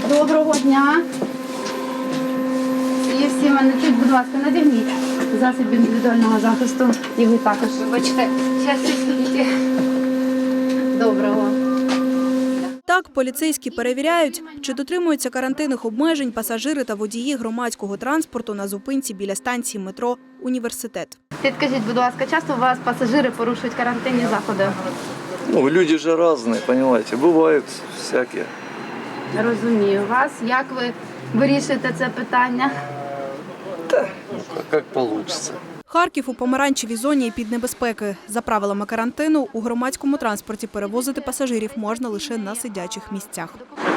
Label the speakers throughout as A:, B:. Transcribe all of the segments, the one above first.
A: Доброго дня. І всі мене чуть, будь ласка, надягніть засіб індивідуального захисту. І ви також. Вибачте, зараз стоїть. Доброго.
B: Так, поліцейські перевіряють, чи дотримуються карантинних обмежень пасажири та водії громадського транспорту на зупинці біля станції метро «Університет».
A: Підкажіть, будь ласка, часто у вас пасажири порушують карантинні заходи?
C: Ну, люди же разные, понимаете, бывают всякие.
A: Розумію вас. Як ви вирішуєте це питання?
C: Как получится.
B: Харків у помаранчевій зоні під небезпеки. За правилами карантину, у громадському транспорті перевозити пасажирів можна лише на сидячих місцях.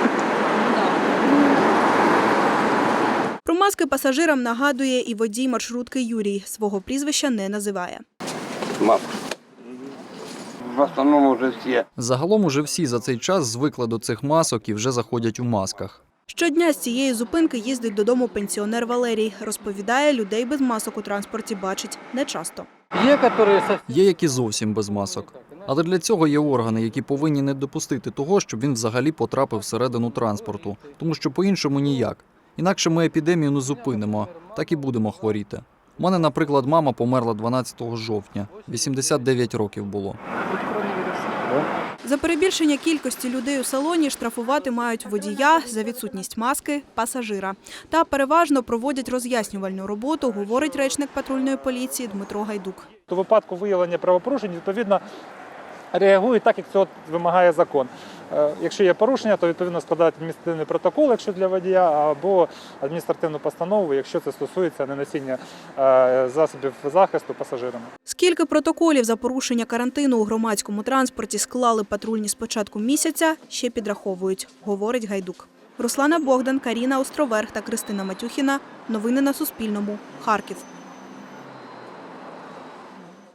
B: Про маски пасажирам нагадує і водій маршрутки Юрій. Свого прізвища не називає.
D: Маска. В основному вже всі.
E: Загалом уже всі за цей час звикли до цих масок і вже заходять у масках.
B: Щодня з цієї зупинки їздить додому пенсіонер Валерій. Розповідає, людей без масок у транспорті бачить нечасто.
E: Є які зовсім без масок. Але для цього є органи, які повинні не допустити того, щоб він взагалі потрапив всередину транспорту. Тому що по-іншому ніяк. Інакше ми епідемію не зупинимо, так і будемо хворіти. У мене, наприклад, мама померла 12 жовтня. 89 років було.
B: За перебільшення кількості людей у салоні штрафувати мають водія, за відсутність маски – пасажира. Та переважно проводять роз'яснювальну роботу, говорить речник патрульної поліції Дмитро Гайдук.
F: У випадку виявлення правопорушень, відповідно, реагують так, як цього вимагає закон. Якщо є порушення, то відповідно складають адміністративний протокол, якщо для водія, або адміністративну постанову, якщо це стосується неносіння засобів захисту пасажирами.
B: Скільки протоколів за порушення карантину у громадському транспорті склали патрульні з початку місяця, ще підраховують, говорить Гайдук. Руслана Богдан, Каріна Островерх та Кристина Матюхіна. Новини на Суспільному. Харків.